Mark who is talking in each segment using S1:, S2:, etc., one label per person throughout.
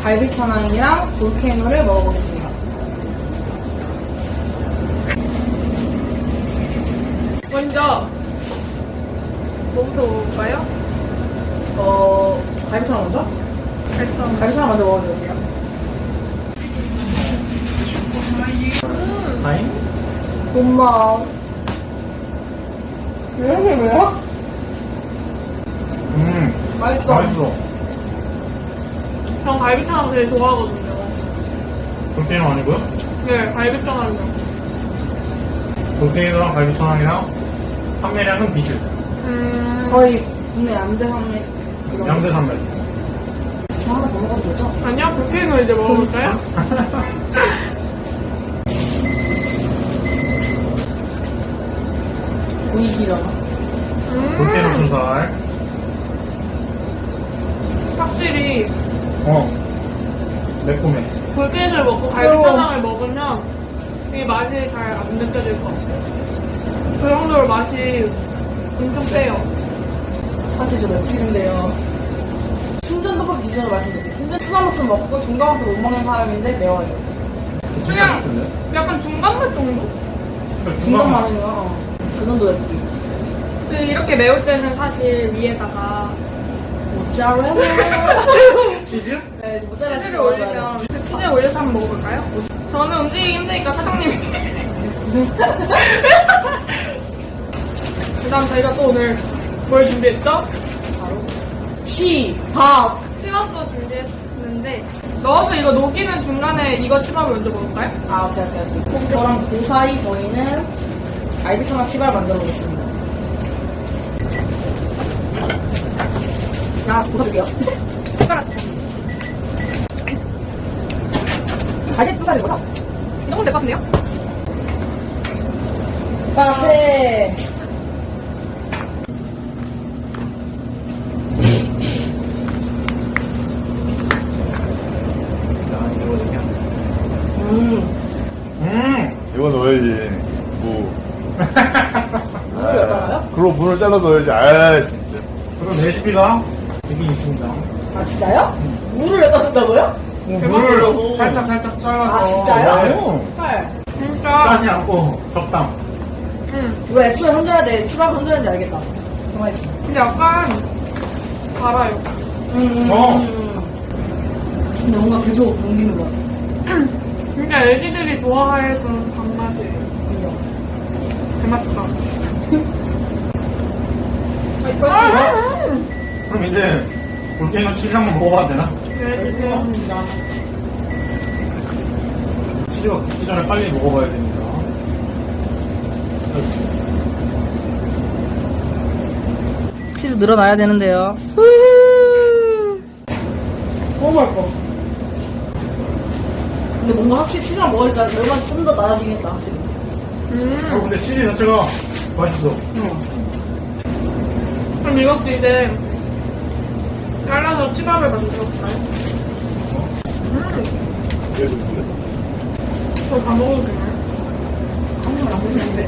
S1: 갈비천왕이랑 볼케이노를 먹어보겠습니다.
S2: 먼저 뭐부터 먹을까요?
S1: 갈비천왕 먼저?
S2: 갈비천.
S1: 갈비천왕 먼저 먹어볼게요.
S3: 다잉?
S1: 엄마. 왜 이렇게 매워? 맛있어.
S3: 맛있어.
S2: 전 갈비탕 되게 좋아하거든요.
S3: 볼케이노 아니고요?
S2: 네, 갈비탕은요.
S3: 볼케이노랑 갈비천왕이랑 판매량은 비슷.
S1: 거의 국내 양대 산맥 이런
S3: 양대 산맥.
S1: 거 하나 더 먹어도 되죠?
S2: 아니요, 볼케이노 이제 먹어볼까요?
S1: 보이시려나?
S3: 볼케이노 순살.
S2: 확실히
S3: 매콤해.
S2: 볼케이노를 먹고 갈비탕을 먹으면 이 맛이 잘 안 느껴질 것 같아요. 그 정도로 맛이 엄청 세요.
S1: 사실 저 맵찔인데요. 순전덮밥 기준으로 말씀드릴게요. 순전 스마트스 먹고 중간맛을 못 먹는 사람인데 매워요.
S2: 그냥 약간 중간맛 정도?
S1: 중간맛이면 그 정도 맵기.
S2: 그 이렇게 매울 때는 사실 위에다가
S1: 모짜렐라.
S3: 치즈?
S1: 네, 모짜렐라
S2: 치즈를 올리면 그 치즈 올려서 한번 먹어볼까요? 저는 움직이기 힘드니까 사장님이 그 다음 저희가 또 오늘 뭘 준비했죠?
S1: 바로 치밥.
S2: 치밥도 준비했는데 넣어서 이거 녹이는 중간에 이거 치밥을 먼저 먹을까요?
S1: 아, 오케이. 저랑 그 사이 저희는 갈비천왕 치밥을 만들어 보겠습니다. 야, 부숴줄게요.
S2: 숟가락
S1: 갈비 두 살이구나.
S2: 이 정도면 될 것 같은데요?
S1: 빠세.
S4: 이거 넣어야지. 무.
S1: 물을 열어요?
S4: 그리고 문을 잘라 넣어야지. 아, 진짜.
S3: 그럼 레시피가 여기 있습니다.
S1: 아, 진짜요? 물을 여기다 둔다고요?
S3: 물을 살짝 잘라서.
S1: 아, 진짜요?
S3: 네.
S1: 헐.
S2: 진짜
S3: 짜지 않고 적당.
S1: 이거 애초에 흔들어야 돼. 추가로 흔들었는지 알겠다. 가만히 있어.
S2: 근데 약간 달아요.
S1: 근데 뭔가 계속 옮기는 거 같아.
S2: 진짜 애기들이 좋아할 그런 단맛이에요. 대맛있다.
S3: 그럼 이제 볼케이노 치즈 한번 먹어봐도 되나?
S2: 네, 이거
S3: 치즈가 굳기 전에 빨리 먹어봐야 됩니다.
S1: 치즈 늘어나야 되는데요. 너무 맛있어. 근데 뭔가 확실히 치즈랑 먹으니까 매운맛이 좀 더 나아지겠다, 확실히.
S3: 근데 치즈 자체가 맛있어.
S2: 그럼 이것도 이제 잘라서 치밥을 만들어볼까요? 저 다 먹어도 되나요?
S1: 한 번만 안 보시는데.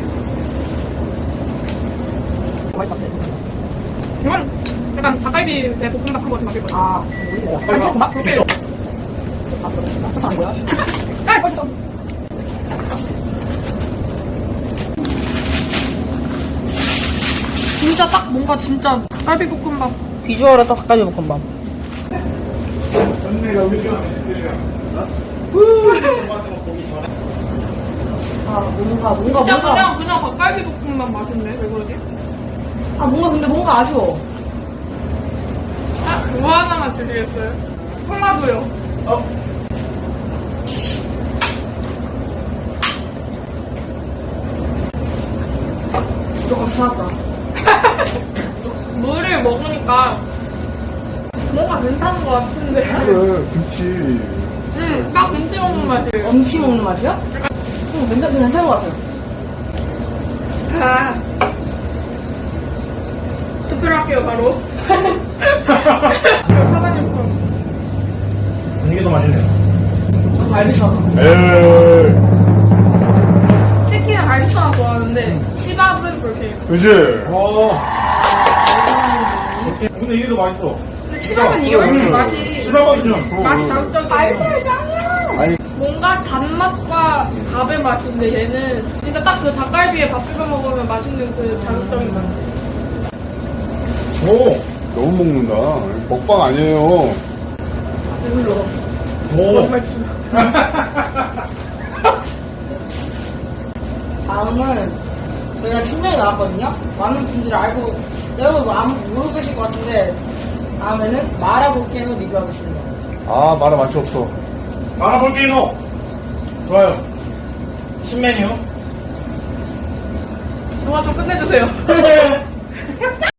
S1: 맛있다.
S2: 이건 약간 닭갈비 내 볶음밥 한 번 만들 거예요.
S1: 아, 뭐야? 맛있어? 막 그렇게.
S3: 있어.
S1: 아, 그렇구나. 그렇지 아니고요?
S2: 아, 맛있어. 진짜 딱 뭔가 진짜 닭갈비 볶음밥.
S1: 비주얼에 딱 닭갈비 볶음밥.
S3: 전내가 우리가
S1: 아, 뭔가.
S2: 그냥 닭갈비 볶음밥 맛인데 왜 그러지?
S1: 아, 근데 뭔가 아쉬워.
S2: 아, 그거 하나만 드리겠어요? 콜라도요.
S1: 조금 차갑다.
S2: 물을 먹으니까 뭔가 괜찮은 것 같은데.
S4: 그래, 김치.
S2: 딱 김치 먹는 맛이에요.
S1: 엄치 먹는 맛이야? 괜찮은 것 같아요.
S2: 아. 투표를 할게요, 바로. 사장님 거.
S3: 이게 더 맛있네요.
S1: 갈비처럼.
S4: 에이.
S2: 치킨은 갈비처럼 좋아하는데 치밥은 그렇게.
S4: 그지?
S3: 근데 이게 더 맛있어.
S2: 근데 치밥은 이게 훨씬 맛이
S3: 실망 기준.
S2: 맛이 자극적이에요.
S1: 알차이 짱이야.
S4: 아니,
S2: 뭔가 단맛과 밥의 맛인데 얘는 진짜 딱 그 닭갈비에 밥 비벼 먹으면 맛있는 그 자극적인 맛.
S3: 오!
S4: 너무 먹는다. 먹방 아니에요.
S2: 배불러.
S3: 오!
S2: 정말 좀.
S1: 다음은 저희가 신명이 나왔거든요. 많은 분들이 알고 여러분 아무 모르고 계실 것 같은데 다음에는 마라 볼케이노 리뷰하겠습니다.
S4: 아, 말아 맛이 없어.
S3: 마라볼케이노! 좋아요. 신메뉴.
S2: 영화 좀 끝내주세요.